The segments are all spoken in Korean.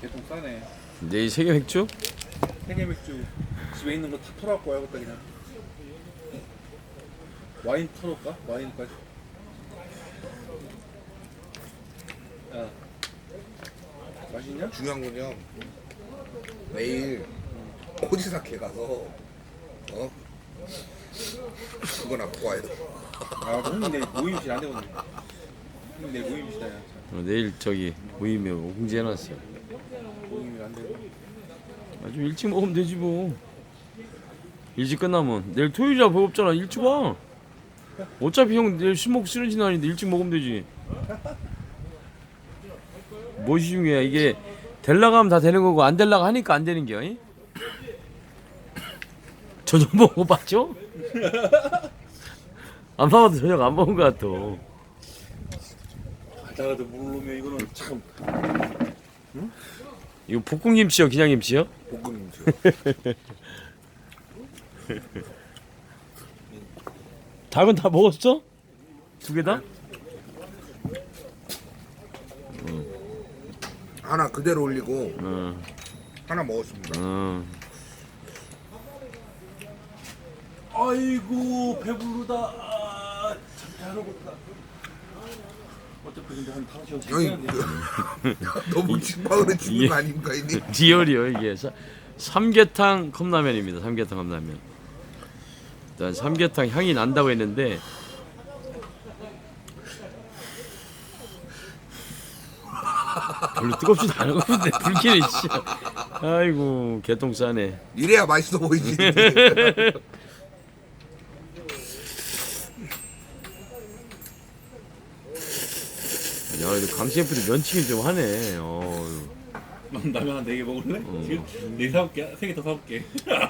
개통 싸네. 내일 세계 맥주? 세계 맥주 집에 있는 거 다 털어갖고 와야겠다 그냥. 와인 털어올까? 와인까지. 야, 맛있냐? 중요한 건요. 내일 오지사케 가서 그거나 먹고 와야 돼. 아, 형님 내일 모임실 안 되거든. 형님 내일 모임실이야. 내일 저기 모임에 공지해놨어. 모임이 안 되고. 좀 일찍 먹으면 되지 뭐. 일찍 끝나면 내일 토요일이라 법 없잖아. 일찍 와. 어차피 형 내일 술 먹고 쓰러진 날인데 일찍 먹으면 되지. 무엇이 중요해? 이게 될라고 하면 다 되는 거고 안 될라고 하니까 안 되는 게야. 이? 저녁 먹어봤죠? 안 먹어도 저녁 안 먹은 거 같아. 가다가도 모르면 이거는 참. 이거 볶음김치요, 기장김치요? 볶음김치. 닭은 다 먹었어? 두 개 다? 하나 그대로 올리고 응. 하나 먹었습니다. 응. 아이고 배부르다. 아, 참 잘 먹었다. 어차피 근데 한 5시간 형이 지났는데. 너무 직방으로 죽는 거 아닙니까 이니? 리얼이요 이게. 삼계탕 컵라면입니다. 삼계탕 컵라면. 일단 삼계탕 향이 난다고 했는데 별로 뜨겁지도 않은 건데 불길이 씨. 아이고 개똥 싸네. 이래야 맛있어 보이지. 야, 그래도 강 셰프도 면치기 좀 하네. 라면 한 4개 먹을래? 지금 4개 사올게. 3개 더 사올게.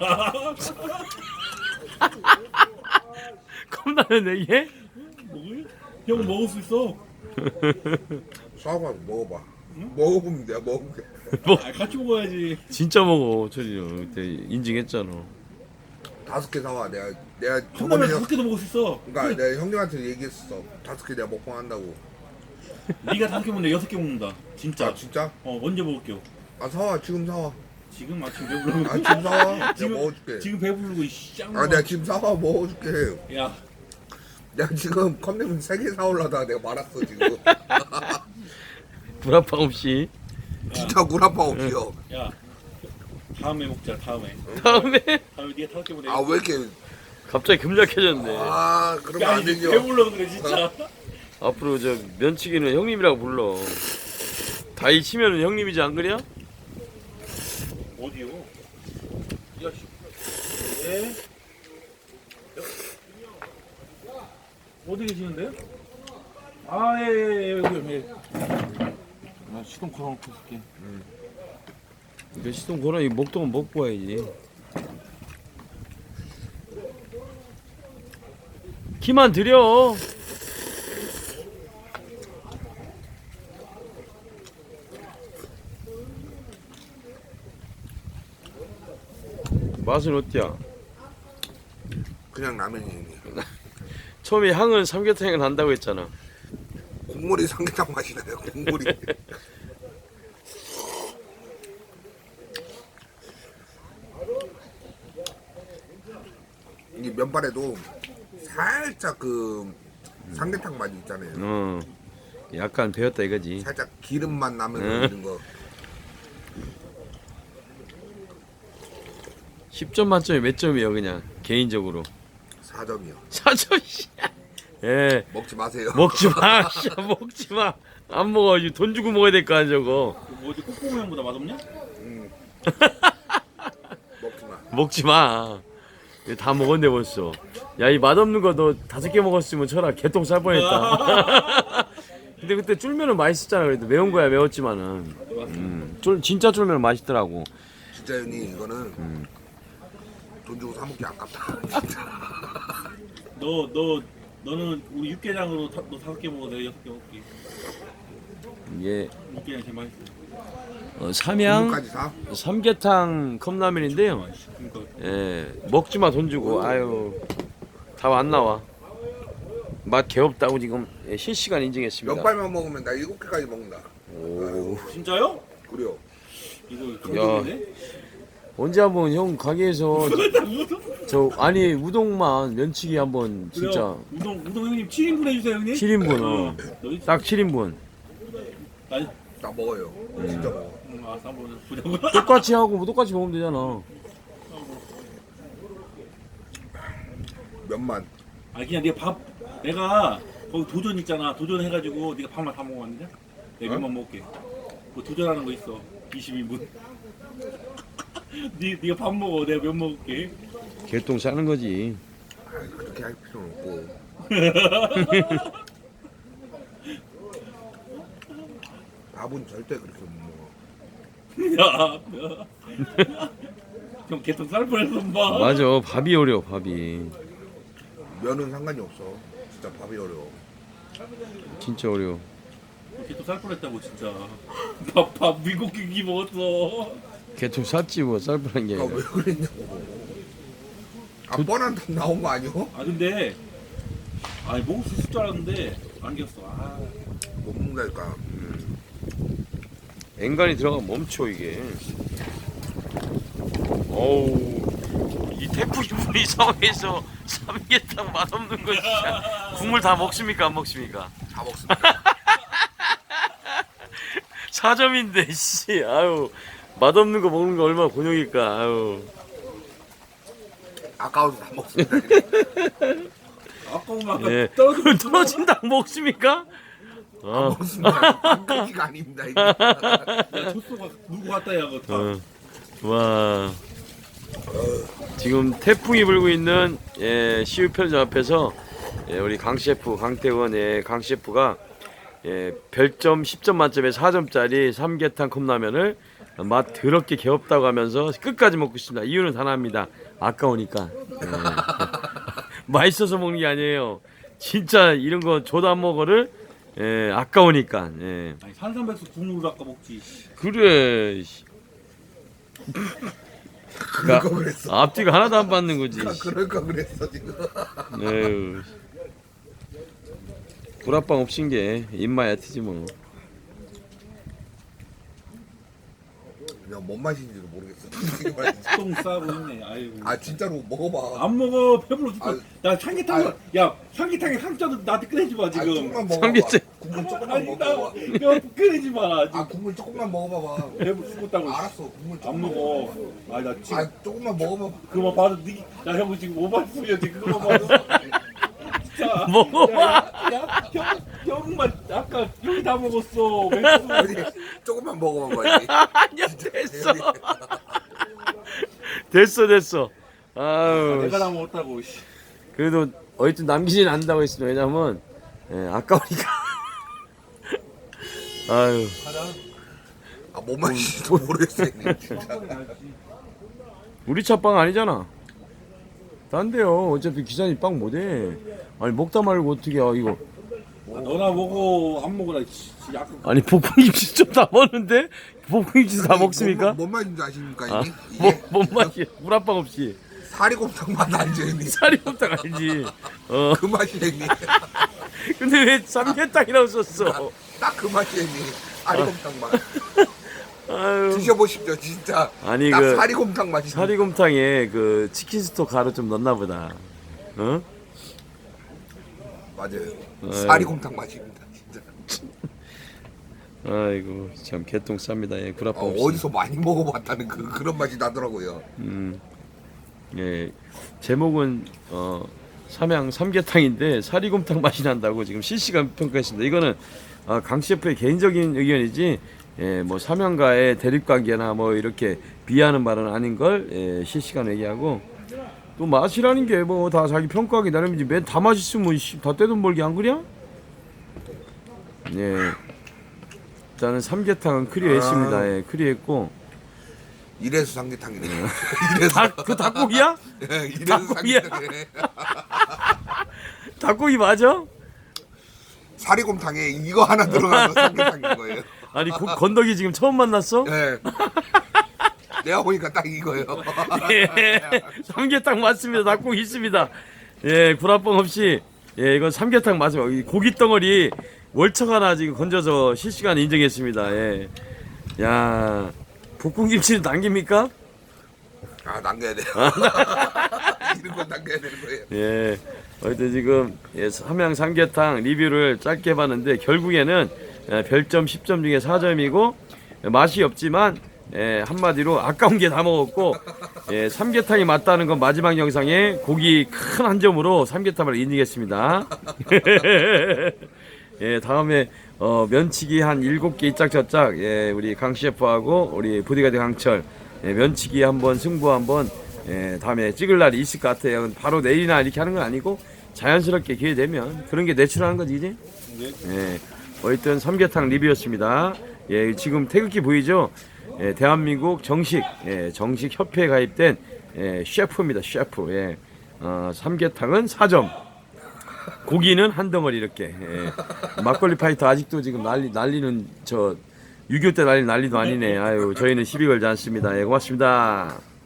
컵라면 4개? 먹을? 형 먹을 수 있어. 사과 먹어봐. 먹어보면 내가 먹을게. 아, 같이 먹어야지. 진짜 먹어. 저리요. 그때 인증했잖아. 5개 사와. 내가 컵라면 저번에 5개도 먹을 수 있어. 그러니까 내가 형님한테 얘기했어. 5개 내가 먹방 한다고. 네가 5개 먹는데 6개 먹는다. 진짜. 아 진짜? 언제 먹을게요? 아 사와 지금 사와. 지금 아침 배부르고. 아 지금 사와. 내가 지금 먹어줄게. 지금 배부르고 짱. 아 내가 지금 사와 먹어줄게. 야, 내가 지금 컵라면 3개 사올라다가 내가 말았어 지금. 불합방 없이. 진짜 구라파 없이요. 야. 다음에 먹자. 다음에. 다음에 다음에 네가 5개 먹어. 아 왜 이렇게 갑자기 금작해졌네. 아 그러면 안 되죠. 배불러 그래 진짜. 앞으로 저 면치기는 형님이라고 불러. 다이 치면은 형님이지 안 그래요? 어디요? 야, 씨. 예? 어디 계시는데요? 아, 예, 여기. 나 시동 걸어놓고 있을게. 몇 시동 걸어 이 목동은 먹고 와야지. 키만 드려. 맛은 어때야? 그냥 라면이 형님. 처음에 향은 삼계탕이 난다고 했잖아. 국물이 삼계탕 맛이 나요. 국물이. 이 면발에도 살짝 그 삼계탕 맛이 있잖아요. 약간 배웠다 이거지. 살짝 기름맛 나면서 응. 있는 거. 10점 만점에 몇 점이에요 그냥 개인적으로? 4점이요. 4점이야. 예. 먹지 마세요. 먹지 마. 씨, 먹지 마. 안 먹어. 이거 돈 주고 먹어야 될 거 아니야 저거. 뭐지, 꼬꼬모양보다 맛없냐? 먹지 마. 먹지 마. 이거 다 먹었네 벌써. 야 이 맛없는 거 너 5개 먹었으면 쳐라 개똥 쌀 뻔했다. 근데 그때 쫄면은 맛있었잖아. 그래도 매운 거야 매웠지만은. 진짜 쫄면은 맛있더라고. 진짜 형님 이거는 돈 주고 사 먹기 아깝다. 너는 우리 육개장으로 너 5개 먹어. 내가 6개 먹을게. 이게 육개장 제일 맛있어. 삼양 국물까지 사? 삼계탕 컵라면인데요. 그러니까 예, 먹지 마 돈 주고. 아유, 다 안 나와. 맛 개없다고 지금 실시간 인증했습니다. 몇 발만 먹으면 나 7개까지 먹는다. 오, 진짜요? 그래요. 감동이네. 언제 한번 형 가게에서 저 아니 우동만 면치기 한번 진짜 우동 형님 7인분 해주세요 형님. 7인분 너희 딱 7인분 아니 나 먹어요. 진짜 먹어. 알았어 한번 보자고. 똑같이 하고 뭐 똑같이 먹으면 되잖아. 면만. 아 그냥 내가 거기 도전 있잖아. 도전 해가지고 네가 밥만 다 먹어봤느냐? 내가 면만 먹을게. 뭐 도전하는 거 있어. 22분. 네가 밥 먹어. 내가 면 먹을게. 개똥 싸는 거지. 아이, 그렇게 할 필요는 없고. 밥은 절대 그렇게 못 먹어. 야. 형 개통 쌀 뻔했어 봐. 맞아 밥이 어려워 밥이 면은 상관이 없어. 진짜 밥이 어려워. 진짜 어려워. 개통 쌀 뻔했다고 진짜. 밥 미국 기기 먹었어. 개똥 쌌지 뭐 쌀뻔한 게 아, 아니라. 왜 그랬냐고. 아, 뻔한 답 나온 거 아니오? 아 근데 아니 먹을 수 있을 줄 알았는데 안겼어. 아. 못 먹는다니까. 엔간히 들어가면 멈춰 이게. 어우 이 태풍이 불이 상황에서 삼계탕 맛없는 거 진짜. 국물 다 먹습니까 안 먹습니까? 다 먹습니다. 4점인데 씨 아유 맛없는 거 먹는 거 얼마나 곤욕일까 아유. 아까워서 다 먹습니다. 아까운 아까 예. 떨어진 떨어진다 먹습니까? 어. 먹습니다. 그게 아닙니다. 이게. 야 조소가 누구 갔다 야 그거 다. 와 지금 태풍이 불고 있는 CU 편의점 앞에서 우리 강 셰프 강태원 강 셰프가 별점 10점 만점에 4점짜리 삼계탕 컵라면을 맛 더럽게 개없다고 하면서 끝까지 먹고 있습니다. 이유는 단합니다. 아까우니까. 맛있어서 먹는 게 아니에요. 진짜 이런 거 줘도 안 먹어를 아까우니까. 아니 산삼백수 국물을 아까 먹지. 그래. 그럴 거 그랬어. 앞뒤가 하나도 안 받는 거지. 그럴 거 그랬어 지금. 에휴. 불합방 없인 게 입맛 얕지 뭐. 그냥 뭔 맛인지도 모르겠어. 솔직히 말해서. 똥 싸고 있네. 아이고. 아 진짜로 먹어봐. 안 먹어 배불러 죽겠어. 아유. 나 삼계탕 야 삼계탕에 한자도 나한테 끓여지 마 아, 지금. 조금만 먹어봐. 삼계탕. 국물 조금만 아니 먹어봐. 나 끓이지 마. 지금 아 국물 조금만 먹어봐봐. 배불러 죽겠다고. 알았어. 국물 안 조금만 먹어. 아니 나 지금 아 조금만 먹어봐. 그거 봐도 나 형 지금 오바했어요 지금 그거 봐도. 진짜. 먹어봐. 형만 아까 형이 다 먹었어. 맥주. 어디 조금만 먹어봐. 아니야 됐어. 됐어. 아유. 내가 다 먹었다고. 씨. 그래도 어쨌든 남기진 않는다고 했습니다. 왜냐면 아까우니까. 아유. 아뭔 맛인지도 모르겠어. 진짜. 우리 차 빵 아니잖아. 딴데요. 어차피 기사님 빵 못해. 아니 먹다 말고 어떻게 이거. 아, 너나 먹어 안 먹어라. 약간 아니 볶음김치 좀 다 먹는데 볶음김치 다 먹습니까? 뭔 맛인지 아십니까 아, 이게? 이게 뭔 맛이야? 물합방 없이 사리곰탕 맛 알죠 형님? 사리곰탕 아니지. 그 맛이 형님. 근데 왜 삼계탕이라고 썼어? 딱 그 맛이 형님. 사리곰탕 맛. 아유. 드셔보십시오 진짜. 아니, 딱 그 사리곰탕 맛이. 사리곰탕에 그 치킨 스톡 가루 좀 넣나 보다. 어? 맞아요. 사리곰탕 맛입니다 진짜. 아이고 참 개똥 쌉니다. 구라빵 없이. 어디서 많이 먹어봤다는 그런 맛이 나더라고요. 예, 제목은 삼양 삼계탕인데 사리곰탕 맛이 난다고 지금 실시간 평가했습니다. 이거는 강 셰프의 개인적인 의견이지, 뭐 삼양과의 대립관계나 뭐 이렇게 비하하는 말은 아닌 걸 실시간 얘기하고, 또 맛이라는 게 뭐 다 자기 평가하기 나름이지 맨 다 맛있으면 다 떼돈 벌기 안 그래? 예, 일단은 삼계탕은 클리어했습니다. 예, 클리어했고. 이래서 삼계탕이네. 이래서. 그 닭고기야? 이래서 닭고기야? 삼계탕이네. 닭고기 맞아? 사리곰탕에 이거 하나 들어가서 삼계탕인 거예요. 아니 건더기 지금 처음 만났어? 네. 내가 보니까 딱 이거예요. 예, 삼계탕 맞습니다. 닭고기 있습니다. 예, 구라뻥 없이 이건 삼계탕 맞아요. 이 고기 덩어리 월척 하나 지금 건져서 실시간 인정했습니다. 야, 볶음김치는 남깁니까? 아 남겨야 돼요. 이런 건 남겨야 되는 거예요. 예. 어쨌든 지금 삼양 삼계탕 리뷰를 짧게 해봤는데 결국에는 별점 10점 중에 4점이고 맛이 없지만 한마디로 아까운 게 다 먹었고 삼계탕이 맞다는 건 마지막 영상에 고기 큰 한 점으로 삼계탕을 인증했습니다. 예, 다음에 면치기 한 7개 이짝저짝 우리 강 셰프하고 우리 보디가드 강철 면치기 한번 승부 한번 다음에 찍을 날이 있을 것 같아요. 바로 내일이나 이렇게 하는 건 아니고 자연스럽게 기회 되면 그런 게 내추럴한 거지, 그지? 예. 어쨌든 삼계탕 리뷰였습니다. 예, 지금 태극기 보이죠? 대한민국 정식 협회에 가입된 셰프입니다. 셰프. 예. 삼계탕은 4점. 고기는 한 덩어리 이렇게. 막걸리 파이터 아직도 지금 난리는 6.25 때 난리도 아니네. 아유, 저희는 시비 걸지 않습니다. 예, 고맙습니다.